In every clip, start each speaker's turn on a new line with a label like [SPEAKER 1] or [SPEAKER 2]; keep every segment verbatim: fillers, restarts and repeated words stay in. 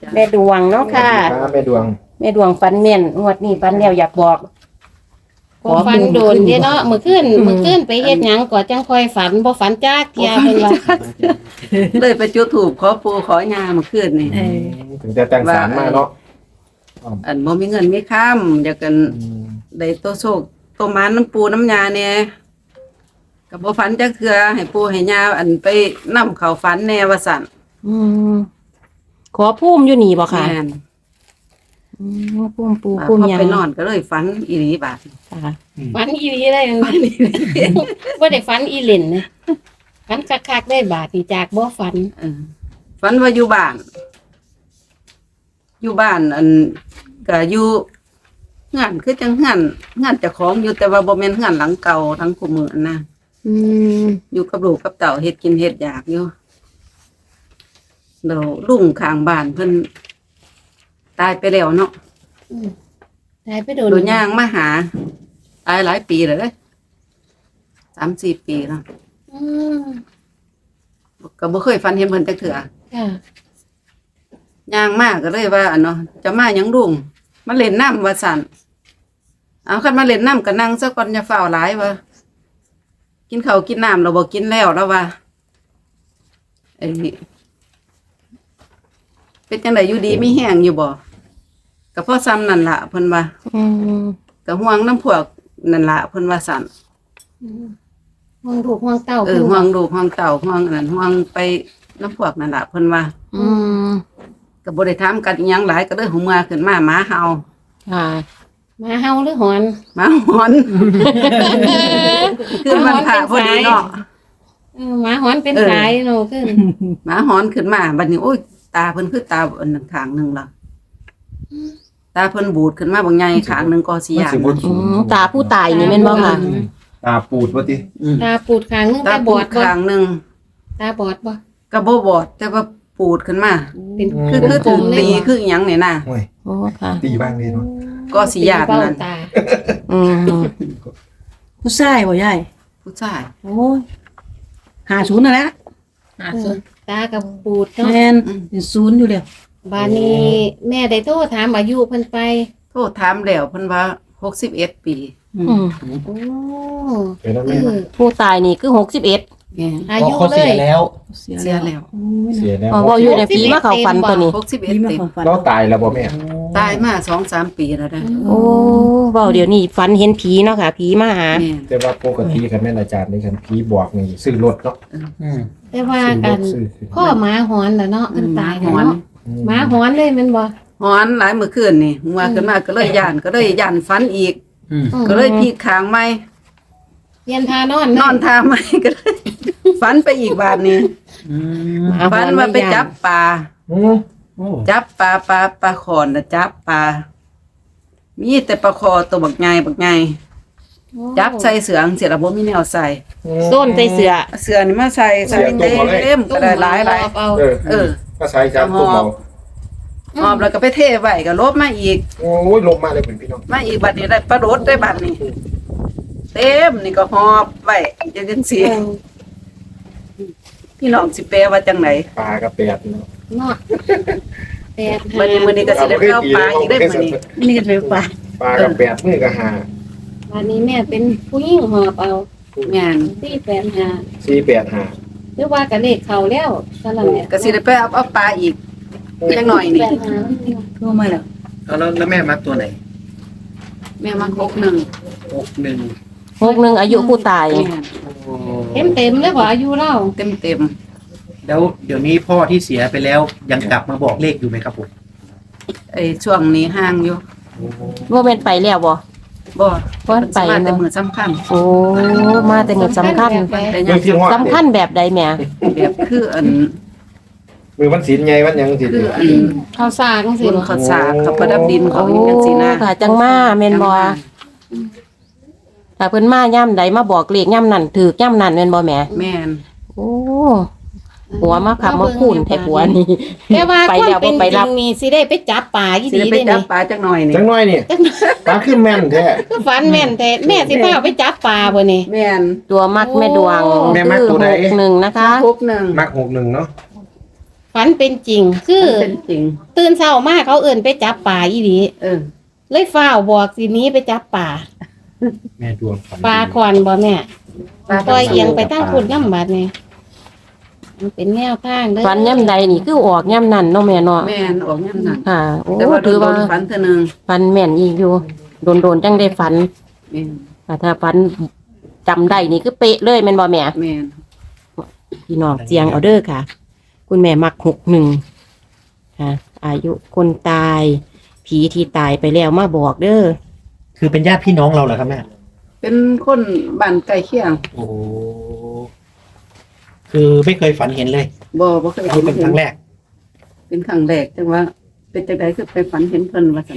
[SPEAKER 1] แม่ดวงเนาะค่ะ
[SPEAKER 2] ครับแม่ดวง
[SPEAKER 1] แม่ดวงฟันเม่นงวดนี้ฟันแล้วอยากบอก
[SPEAKER 3] บ่ฝันโดนเด้เนาะมื้อคืนมื้อคืนไปเฮ็ดหยังก็จังค่อยฝันบ่ฝันจักเที่ยเพิ่นว่า
[SPEAKER 4] เลยไปจุดธูปขอปู่ขอยาเมื่อคืนนี่
[SPEAKER 2] ถึงจะแต่งสารมาเนาะ
[SPEAKER 4] อันบ่มีเงินมีค้ำอยากกันได้โตโชคโตหมานน้ำปูน้ำยาแหน่ก็บ่ฝันจักเทื่อให้ปู่ให้ยาอันไปนำเข้าฝันแน่ว่าซั่น
[SPEAKER 1] อืมขอพุ่มอยู่นี่บ่ค่ะ
[SPEAKER 4] แม่น
[SPEAKER 1] อืมพุ่มปู
[SPEAKER 4] พ
[SPEAKER 1] พุ่ม
[SPEAKER 4] อ
[SPEAKER 1] ยัง
[SPEAKER 4] ไปนอนก็เลยฝันอีหลีบาด
[SPEAKER 1] ค่ะ
[SPEAKER 3] ฝันอีหลีเลยฝันอีหลีบ่ได้ฝันอีเล่นนะฝันคักๆได้บาดนี่จากบ่ฝัน
[SPEAKER 4] เออฝันว่าอยู่บ้าน อยู่บ้านอันก็อยู่งานคือจังงานงานเจ้าของอยู่แต่ว่าบ่แม่นงานหลังเก่าทั้งคู่มืออันนะ
[SPEAKER 1] อืม
[SPEAKER 4] อยู่กับลูกกับเต่าเฮ็ดกินเฮ็ดอยากอยู่เดี๋ยวลุงข้างบ้านเพิ่นตายไปแล้วเนาะ
[SPEAKER 3] อืมได้ไปโดน
[SPEAKER 4] โดนย่างมาหาตายหลายปีแล้วเด้สามสี่ปีแล้ว
[SPEAKER 3] อืม
[SPEAKER 4] ก็บ่เคยฝันเห็นเพิ่นจักเทื่อ
[SPEAKER 3] ค่ะ
[SPEAKER 4] ย่างมาก็เลยว่าอันเนาะจะมาหยังลุงมาเล่นน้ำว่าซั่นเอาคันมาเล่นน้ำก็นั่งซะก่อนอย่าฟ้าวหลายว่ากินข้าวกินน้ำเราบ่กินแล้วแล้วว่าไอ้เป็นจังไดอยู่ดีมีแห้งอยู่บ่ก็พอซ้ำนั่นล่ะเพิ่นว่า
[SPEAKER 1] อืม
[SPEAKER 4] ก็ห่วงน้ำพวกนั่นล่ะเพิ่นว่าสั่น
[SPEAKER 3] อืมห่วงลูกห่วงเต้า
[SPEAKER 4] เออ
[SPEAKER 3] พิ่น
[SPEAKER 4] ห่ว
[SPEAKER 3] ว่าง
[SPEAKER 4] ลูกห่วงเต่าห่วงอันนั้นห่วงไปน้ำพวกนั่นล่ะเพิ่นว่า
[SPEAKER 1] อืม
[SPEAKER 4] ก็บ่ได้ถามกันอีหยังหลายก็เลยหูมาขึ้นมาหมาเห่า
[SPEAKER 1] ค่ะ
[SPEAKER 3] มาเฮาหรือหอน
[SPEAKER 4] หมาหอนขึ้นมันผ่าพอดีเนาะ
[SPEAKER 3] เออหมาหอนเป็น
[SPEAKER 4] เออ
[SPEAKER 3] สายเนาะขึ้น
[SPEAKER 4] หมาหอนขึ้นมาบัดนี้โอ้ยตาเพิ่นคือตาอันนั้นข้างหนึงล่ะตาเพิ่นบูดขึ้นมาบางใหญ่ข้างหนึงก็สิ
[SPEAKER 2] มัน
[SPEAKER 4] ย่าน
[SPEAKER 2] สิบ่
[SPEAKER 1] อืมตาผู้ตายนี่แม่นบ่ค่ะ
[SPEAKER 2] ตาปูดว่าติ
[SPEAKER 3] ตาปูดข้างนึง
[SPEAKER 4] ตา
[SPEAKER 3] ตาบ
[SPEAKER 4] บู
[SPEAKER 3] อ
[SPEAKER 4] ด
[SPEAKER 3] ดบ่
[SPEAKER 4] ข้างหนึง
[SPEAKER 3] ตาบอดบ่
[SPEAKER 4] ก็บ่บอดแต่ว่าปูดขึ้นมา
[SPEAKER 3] เป็น
[SPEAKER 4] คือคือถูกตีคืออิหยังนี่น่ะ
[SPEAKER 2] โอ้ย
[SPEAKER 1] โอ้ค่ะ
[SPEAKER 2] ตีบ้างเลยเนาะ
[SPEAKER 4] ก็สิย่าน
[SPEAKER 3] เบ้า
[SPEAKER 4] นั่น
[SPEAKER 3] ตา
[SPEAKER 1] อืม
[SPEAKER 5] ผู้ชายบ่ยาย
[SPEAKER 4] ผู้ชาย
[SPEAKER 5] โอ้ยหาศูนย์นั่นแหละ
[SPEAKER 3] เออตากับปูดเนาะ
[SPEAKER 5] แม่นเป็นศูนย์อยู่แล้ว
[SPEAKER 3] บานนี้แม่ได้โทรถามอายุเพิ่นไป
[SPEAKER 4] โทษถามแล้วเพิ่นว่าหกสิบเอ็ดปี
[SPEAKER 1] อืม
[SPEAKER 3] โอ้
[SPEAKER 2] เดี๋ยวนะ
[SPEAKER 3] เอ
[SPEAKER 2] แม่
[SPEAKER 3] อ
[SPEAKER 1] ผู้ตายนี่คือหกสิบเอ็ด
[SPEAKER 4] แม่น
[SPEAKER 3] อายุ
[SPEAKER 6] เขา
[SPEAKER 3] เล
[SPEAKER 6] เสีย
[SPEAKER 3] ย
[SPEAKER 6] แล้ว
[SPEAKER 5] เสีย
[SPEAKER 4] เสีย
[SPEAKER 5] แล้ว
[SPEAKER 4] แล้ว
[SPEAKER 5] โอ้ย
[SPEAKER 2] เสียแล้ว
[SPEAKER 1] อ๋อเว่าอยู่ในผีมาเข้าฝันตัวนี้
[SPEAKER 4] หกสิบเอ็ด
[SPEAKER 5] นี่มา
[SPEAKER 4] ปี
[SPEAKER 5] ของฝัน
[SPEAKER 2] เราตายแล้วบ่แม่
[SPEAKER 4] ตายมาสองสามปีแล้วนะ
[SPEAKER 1] โอ้เว้าเดี๋ยวนี้ฝันเห็นผีเนาะค่ะ ผีมาหา
[SPEAKER 4] แม่น
[SPEAKER 2] แต่ว่าปกติคันแม่นอาจารย์นี่คันผีบอกนี่ซื้อรถเนาะ
[SPEAKER 6] อืม
[SPEAKER 3] แต่ว่า
[SPEAKER 2] ซื้อร
[SPEAKER 3] กั
[SPEAKER 2] ถ
[SPEAKER 3] น
[SPEAKER 2] ซื้อขึ้น
[SPEAKER 3] พ่อหมาหอนแล้วเนาะเพิ่นตาย
[SPEAKER 4] ห
[SPEAKER 3] แล้ว
[SPEAKER 4] อน
[SPEAKER 3] เนาะหมาหอนเลยแม่นบ่
[SPEAKER 4] หอนหลายเมื่อคืนนี่หัวขึ้นมาก็เลยย่านก็เลยย่านฝันอีก
[SPEAKER 6] อืม
[SPEAKER 4] ก็เลยพลิกข้างใหม่
[SPEAKER 3] เรียนทานอน
[SPEAKER 4] นอนท่าใหม่ก็เลยฝันไปอีกบาดนี้
[SPEAKER 6] อืม
[SPEAKER 1] หมาห
[SPEAKER 4] ฝั
[SPEAKER 1] อน น
[SPEAKER 4] ว่าไป
[SPEAKER 1] ไม่ย่าน
[SPEAKER 4] จับปลา
[SPEAKER 2] อืม
[SPEAKER 6] โอ้
[SPEAKER 4] จับปลาปลาปลาขอนน่ะจับปลามีแต่ปลาคอตัวบักใหญ่บักใหญ่จับใส่เสือจังซี่ล่ะบ่มีแนวใส่
[SPEAKER 1] ส้นใส่เสือ
[SPEAKER 4] เอาเสือนี่มาใส่ใส่เต็มๆก็ได้หลายหลาย
[SPEAKER 3] เอา
[SPEAKER 2] เออ
[SPEAKER 4] เออ
[SPEAKER 2] ก็ใช้จับตุ้มเอา
[SPEAKER 4] หอบแล้วก็ไปเทไว้ก็ลบมาอีก
[SPEAKER 2] โอ้ยลงมาเลยเป็นพี่น้อง
[SPEAKER 4] มาอีกบัดนี้ได้ปลาโดดได้บัดนี้เต็มนี่ก็หอบไว้จังจังซี่พี่น้องสิแปลว่าจังไหน
[SPEAKER 2] ปลากระแปดเนาะ
[SPEAKER 3] เนาะแปด
[SPEAKER 4] มื้อนี้มื้อนี้ก็สิได้ไปเอาปลาอีกได้มื้อนี้
[SPEAKER 5] นี่ก็จะไปป่า
[SPEAKER 2] ปลากระแปดมือก็หา
[SPEAKER 3] วันนี้แม่เป็นผู้หญิงหอบเอา
[SPEAKER 4] แม่น
[SPEAKER 3] สี่แปดห้า
[SPEAKER 2] สี่แปดหา
[SPEAKER 3] หรือว่ากับเลขเขาแล้วสำหรับแม่
[SPEAKER 4] ก็สิได้ไปเอาเอาปลาอีกจังหน่อยนี่
[SPEAKER 3] แปดห้า
[SPEAKER 5] ทั่วมาแล้ว
[SPEAKER 6] เอาแล้วแล้วแม่มักตัวไหน
[SPEAKER 4] แม่มาหกหนึ่ง
[SPEAKER 6] หกหนึ่ง
[SPEAKER 1] หกหนึ่งอายุผู้ตาย
[SPEAKER 4] แม่น
[SPEAKER 6] โอ้
[SPEAKER 3] เต็มเต็มๆเลยว่าอายุเรา
[SPEAKER 4] เต็มเต็ม
[SPEAKER 6] แล้วเดี๋ยวนี้พ่อที่เสียไปแล้วยังกลับมาบอกเลขอยู่ไหมครับผม
[SPEAKER 4] ๆไอ้ช่วงนี้ห่างอยู่
[SPEAKER 1] ว่าเป็นไปแล้วบ่
[SPEAKER 4] บ่
[SPEAKER 1] บ่ไป
[SPEAKER 4] มาแต่
[SPEAKER 1] เนาะ
[SPEAKER 4] มื้อสำคัญ
[SPEAKER 1] โอ้มาแต่เงินสำคัญ
[SPEAKER 3] แบบใด
[SPEAKER 4] แต่
[SPEAKER 2] มื
[SPEAKER 4] ยั
[SPEAKER 2] อง ที่ห้อ
[SPEAKER 1] สำคัญแบบใดแหม่
[SPEAKER 4] แบบคืออัน
[SPEAKER 2] มือวันศีลไงวันหยังสิ
[SPEAKER 4] คืออัน
[SPEAKER 3] เขาสร้างสิ
[SPEAKER 4] บุญ
[SPEAKER 3] บ่
[SPEAKER 4] ข้าวสากเขาประดับดินเขา
[SPEAKER 1] โอ้
[SPEAKER 4] อีกจังซี่นะ
[SPEAKER 1] ค่ะ จังมาแม่นบ่ถ้าเพิ่นมาย่ำใดมาบอกเลขย่ำนั่นถือย่ำนั่นแม่นบ่แหม่
[SPEAKER 4] แม่น
[SPEAKER 1] โอ้หัวมาขับมาคูนแท้หัวนี่
[SPEAKER 3] แต่ว่า
[SPEAKER 1] ไป
[SPEAKER 3] ความ
[SPEAKER 1] แล้ว
[SPEAKER 3] เป็
[SPEAKER 1] บ่
[SPEAKER 3] น
[SPEAKER 1] ไป
[SPEAKER 3] จริ
[SPEAKER 1] รับ
[SPEAKER 3] งนี่สิได้ไปจับปลาอี
[SPEAKER 4] สิ
[SPEAKER 3] ดี
[SPEAKER 4] ได้ไป
[SPEAKER 3] ได้
[SPEAKER 4] จับ
[SPEAKER 3] นี่
[SPEAKER 4] ปลาจักหน่อยนี่
[SPEAKER 2] จังน้อยนี่ปลาขึ้นแม่นแท้
[SPEAKER 3] คือฝันแม่นแต่แม่สิพาไปจับปลาบ่นี่
[SPEAKER 4] แม่น
[SPEAKER 1] ตัวมักแม่ดวง
[SPEAKER 3] โอ้
[SPEAKER 2] แม่มักตัวใด
[SPEAKER 1] คือหกหนึ่งนะคะ
[SPEAKER 4] หกหนึ่ง
[SPEAKER 2] มักหกหนึ่งเนาะ
[SPEAKER 3] ฝันเป็นจริง คือ
[SPEAKER 4] มันเป็นจริง
[SPEAKER 3] ตื่นเช้ามาเขาเอิ่นไปจับป่าอีหลี
[SPEAKER 4] เออ
[SPEAKER 3] เลยฟ้าวบอกสิหนี้ไปจับป่า
[SPEAKER 2] แม่ดวงฝัน
[SPEAKER 3] ปลาคอนบ่แม่ปล่อยเอียงไปตั้งคุณน้ำบาดนี่มันเป็นแนวทางเด้อ
[SPEAKER 1] ฝันย่ำใดนี่คือออกย่ำนั่นเนาะแม่เนาะ
[SPEAKER 4] แม่นออกย่ำนั้น
[SPEAKER 1] ค่ะโอ้
[SPEAKER 4] แต่ว่าโด
[SPEAKER 1] ถือว่าน
[SPEAKER 4] ๆฝันเท่านึง
[SPEAKER 1] ฝันแม่นอีกอยู่โดนๆจังได้ฝัน
[SPEAKER 4] แม่น
[SPEAKER 1] แต่ถ้าฝันจำได้นี่คือเป๊ะเลยแม่นบ่แม่
[SPEAKER 4] แม่น
[SPEAKER 1] พี่น้องเจียงเอาเด้อค่ะ คุณแม่มักหกหนึ่งค่ะ อายุคนตาย ผีที่ตายไปแล้วมาบอกเด้อ
[SPEAKER 6] คือเป็นญาติพี่น้องเราเหรอครับแม่
[SPEAKER 4] เป็นคนบ้านใกล้เคียง
[SPEAKER 6] โอ้คือไม่เคยฝันเห็นเลย
[SPEAKER 4] บ่บ่เคย
[SPEAKER 6] นี่เป็นครั้งแรก
[SPEAKER 4] เป็นครั้งแรกจังว่า เป็นจังไดคือไปฝันเห็นเพิ่นว่าซั่น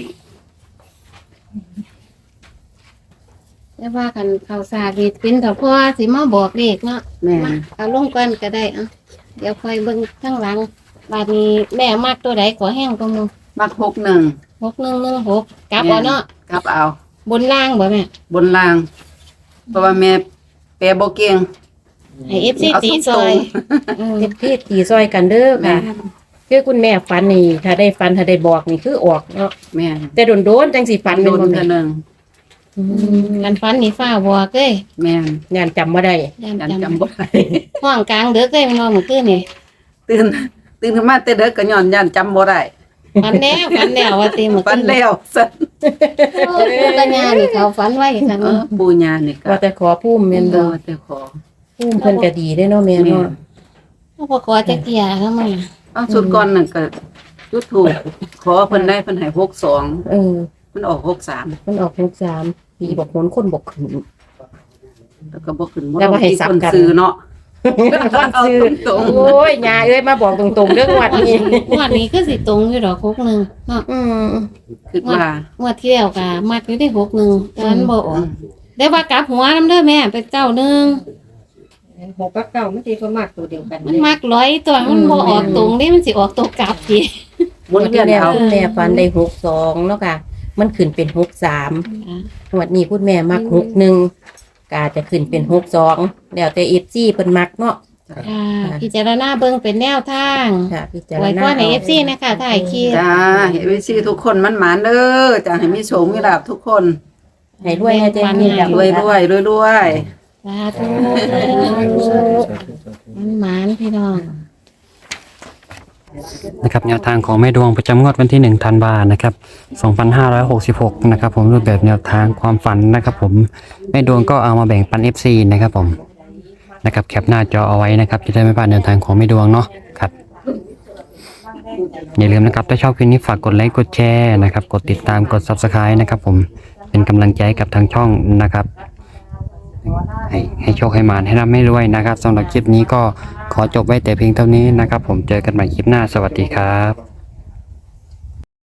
[SPEAKER 3] แต่ว่ากันเขาสาดีเป็นแต่พ่อสิมาบอกเลขเนาะ
[SPEAKER 4] แม่
[SPEAKER 3] มาเอาลงก่อนก็ได้อ่ะเดี๋ยวค่อยเบิ่งข้างหลังบาดนี้แม่มักตัวใดขอแห้งก็มึง
[SPEAKER 4] มักหกหนึ่ง
[SPEAKER 3] หกหนึ่งหนึ่งหกกลับเอาเนาะ
[SPEAKER 4] กลับเอา
[SPEAKER 3] บนล่างบ่แม่
[SPEAKER 4] บนล่าง เพราะว่าแม่แปลบ่เก่ง
[SPEAKER 3] ให้เอฟซี
[SPEAKER 4] เอา
[SPEAKER 3] ตี
[SPEAKER 4] ต
[SPEAKER 3] ซ
[SPEAKER 4] ร
[SPEAKER 3] อง ย
[SPEAKER 4] ๆ
[SPEAKER 3] อืม
[SPEAKER 1] เจ็บพี่ตีซอยกันเด้อ
[SPEAKER 4] แม่
[SPEAKER 1] ค่ะ คือคุณแม่ฝันนี่ ถ้าได้ฝันถ้าได้บอกนี่คือออกเนาะ
[SPEAKER 4] แม่
[SPEAKER 1] แต่โดนๆจังสิฝัน
[SPEAKER 4] โด
[SPEAKER 1] เป็น
[SPEAKER 4] น
[SPEAKER 1] บ่
[SPEAKER 4] เท่า
[SPEAKER 1] แม่
[SPEAKER 4] นึง
[SPEAKER 1] อืม
[SPEAKER 3] กันฟันนี่ฟ้าบอกเอ้ย
[SPEAKER 4] แม่น
[SPEAKER 1] งานจำบ่ได้
[SPEAKER 3] ย่าน
[SPEAKER 4] ยัน
[SPEAKER 3] จำ
[SPEAKER 4] จำบ่ได้
[SPEAKER 3] ห้องกลางเด้อเอ้ยมันนอนมื้อคืนนี่
[SPEAKER 4] ตื่นตื่นขึ้นมาแต่เด็กก็ย้อนยันจำบ่ได้
[SPEAKER 3] ฝันแล้วฝันแล้วว่าตีมื้อ
[SPEAKER 4] ฝั
[SPEAKER 3] คื
[SPEAKER 4] น
[SPEAKER 3] น
[SPEAKER 4] แล้วซั่น
[SPEAKER 3] โอ้ยปัญญานี่เขาฝันไว้ซั่น
[SPEAKER 4] เออ
[SPEAKER 3] เนาะ
[SPEAKER 4] ปูญานี่ก็
[SPEAKER 1] ว่าแต่ขอพุ่มแม่น
[SPEAKER 4] เอ
[SPEAKER 1] บ่
[SPEAKER 4] อแต่ขอ
[SPEAKER 1] พุ่มเพิ่นก็ดีได้อเนาะแม่
[SPEAKER 4] แม่
[SPEAKER 1] เนาะ
[SPEAKER 3] เขาบ่ขอจักเที่ยทำไม
[SPEAKER 4] เอาสุดก่อนนั่นก็จุดถูกขอเพิ่นได้เพิ่นให้หกสอง
[SPEAKER 1] เออ
[SPEAKER 4] มันออกหกสาม
[SPEAKER 1] มันออกหกสามผีบอกคนคนบอกขึ้น
[SPEAKER 4] แล้วก็บ่ขึ้นบ่
[SPEAKER 1] แล้วบ่ให้
[SPEAKER 4] ลงที่
[SPEAKER 1] สับ
[SPEAKER 4] คน
[SPEAKER 1] กัน
[SPEAKER 4] ซื้อเนาะ
[SPEAKER 1] คนซื้อ
[SPEAKER 4] ตรง
[SPEAKER 1] โอ้ยยาเอ้ยมาบอกตรงๆเรื่องวัดนี้
[SPEAKER 3] งวดนี้คือสิตรงอยู่ดอกหกหนึ่งเนาะ
[SPEAKER 1] อืม
[SPEAKER 4] ๆคิดว่า
[SPEAKER 3] งวดที่แล้วก็มักอยู่ที่หกหนึ่งตอนบ่ออกได้ว่ากลับหัวน้ำเด้อแม่เป็นเก้าหนึ่ง
[SPEAKER 1] หกกับเก้ามันสิก็มากตัวเดียวกัน
[SPEAKER 3] มันมักร้อยตัวมันบ่ออกตรงนี่มันสิออกตัวกลับสิ
[SPEAKER 4] หมุนเวียน
[SPEAKER 1] แล้ว
[SPEAKER 4] เอา
[SPEAKER 1] คุณแม่ฟันได้หกสองเนาะค่ะ มันขึ้นเป็นหกสามงวดนี้คุณแม่มักหกหนึ่งก็อาจจะขึ้นเป็นหกสองแล้วแต่เอฟซีเพิ่นมักเนาะ
[SPEAKER 3] ค่ะพิจารณาเบิ่งเป็นแนวทาง
[SPEAKER 1] ค่ะพิจาร
[SPEAKER 3] ไว้
[SPEAKER 1] ณา
[SPEAKER 3] ก่อนให้ เอฟ ซี นะคะถ่ายคลิป
[SPEAKER 4] จ้าเห็นวิซีทุกคนมันหมานเด้อจ้าให้มีโชคมีลาภทุกคน
[SPEAKER 1] ให้รวยให้เต็มที่
[SPEAKER 4] รวยรวยรวยรวย
[SPEAKER 3] สาธุมันหมานพี่น้อง
[SPEAKER 7] นะครับแนวทางของแม่ดวงประจำงวดวันที่หนึ่งธันวานะครับสองพันห้าร้อยหกสิบหกนะครับผมรูปแบบแนวทางความฝันนะครับผมแม่ดวงก็เอามาแบ่งปัน เอฟ ซี นะครับผมนะครับแคปหน้าจอเอาไว้นะครับจะได้ไม่พลาดแนวทางของแม่ดวงเนาะครับอย่าลืมนะครับถ้าชอบคลิปนี้ฝากกดไลค์กดแชร์นะครับกดติดตามกด ซับสไครบ์ นะครับผมเป็นกำลังใจให้กับทางช่องนะครับให้ให้โชคให้มานให้ร่ำให้รวยนะครับสำหรับคลิปนี้ก็ขอจบไว้แต่เพียงเท่านี้นะครับผมเจอกันใหม่คลิปหน้าสวัสดีครับ